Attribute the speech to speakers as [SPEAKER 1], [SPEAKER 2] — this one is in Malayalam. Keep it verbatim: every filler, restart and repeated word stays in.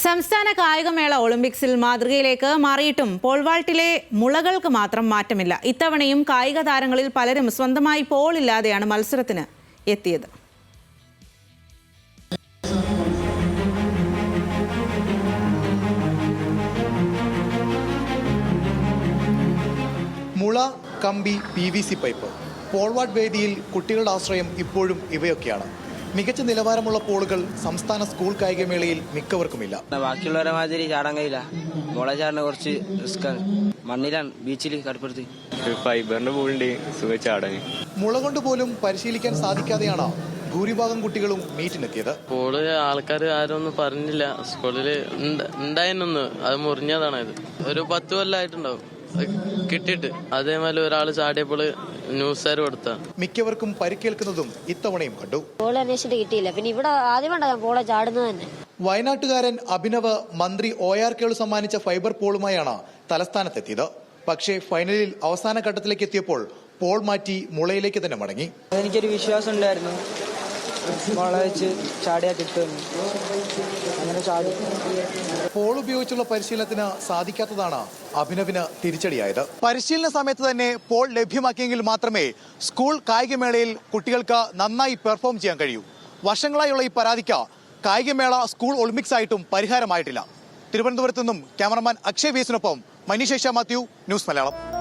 [SPEAKER 1] സംസ്ഥാന കായികമേള ഒളിമ്പിക്സിൽ മാതൃകയിലേക്ക് മാറിയിട്ടും പോൾ വാൾട്ടിലെ മുളകൾക്ക് മാത്രം മാറ്റമില്ല. ഇത്തവണയും കായിക താരങ്ങളിൽ പലരും സ്വന്തമായി പോൾ ഇല്ലാതെയാണ് മത്സരത്തിന് എത്തിയത്.
[SPEAKER 2] മുള, കമ്പി, P V C pipe, pole vault വേദിയിൽ കുട്ടികളുടെ ആശ്രയം ഇപ്പോഴും ഇവയൊക്കെയാണ്. മികച്ച നിലവാരമുള്ള പോളുകൾ സംസ്ഥാന സ്കൂൾ കായികമേളയിൽ മിക്കവർക്കുമില്ല.
[SPEAKER 3] ബാക്കിയുള്ളവരെ മാതിരി ചാടാൻ കഴിയില്ല. മുള ചാടിനെ കുറച്ച് റിസ്ക്കാണ്. മണ്ണിലാണ്, ബീച്ചിൽ കടപ്പുറത്ത്
[SPEAKER 4] ഫൈബറിന്റെ പോളുണ്ട്, സുഖം ചാടാൻ.
[SPEAKER 2] മുള കൊണ്ട് പോലും പരിശീലിക്കാൻ സാധിക്കാതെയാണ് ഭൂരിഭാഗം കുട്ടികളും മീറ്റിനെത്തിയത്.
[SPEAKER 5] പോള് ആൾക്കാർ ആരും ഒന്നും പറഞ്ഞില്ല. സ്കൂളിൽ ഉണ്ടായിരുന്നൊന്ന് അത് മുറിഞ്ഞതാണ്. ഇത് ഒരു പത്ത് കൊല്ലമായിട്ടുണ്ടാവും കിട്ടിയിട്ട്. അതേമാതിരി ഒരാൾ ചാടിയപ്പോൾ ന്യൂസുകാർ കൊടുത്ത
[SPEAKER 2] മിക്കവർക്കും പരിക്കേൽക്കുന്നതും ഇത്തവണയും കണ്ടു.
[SPEAKER 6] പോൾ അന്വേഷിച്ചിട്ട് കിട്ടിയില്ല. പിന്നെ ഇവിടെ ആദ്യമായിട്ടാണ് ഞാൻ പോളെ ചാടുന്നത് തന്നെ.
[SPEAKER 2] വയനാട്ടുകാരൻ അഭിനവ് മന്ത്രി ഒ ആർ കേളു സമ്മാനിച്ച ഫൈബർ പോളുമായാണ് തലസ്ഥാനത്തെത്തിയത്. പക്ഷേ ഫൈനലിൽ അവസാന ഘട്ടത്തിലേക്ക് എത്തിയപ്പോൾ പോൾ മാറ്റി മുളയിലേക്ക് തന്നെ മടങ്ങി.
[SPEAKER 3] എനിക്കൊരു വിശ്വാസം ഉണ്ടായിരുന്നു, മുള വെച്ച് ചാടിയാ കിട്ടുമെന്ന്. അങ്ങനെ ചാടി.
[SPEAKER 2] പോൾ ഉപയോഗിച്ചുള്ള പരിശീലനത്തിന് സാധിക്കാത്തതാണ് അഭിനവിന് തിരിച്ചടിയായത്. പരിശീലന സമയത്ത് തന്നെ പോൾ ലഭ്യമാക്കിയെങ്കിൽ മാത്രമേ സ്കൂൾ കായികമേളയിൽ കുട്ടികൾക്ക് നന്നായി പെർഫോം ചെയ്യാൻ കഴിയൂ. വർഷങ്ങളായുള്ള ഈ പരാതിക്ക് കായികമേള സ്കൂൾ ഒളിമ്പിക്സ് ആയിട്ടും പരിഹാരമായിട്ടില്ല. തിരുവനന്തപുരത്തു നിന്നും ക്യാമറമാൻ അക്ഷയ് വീസിനൊപ്പം മനീഷ് മാത്യു, ന്യൂസ് മലയാളം.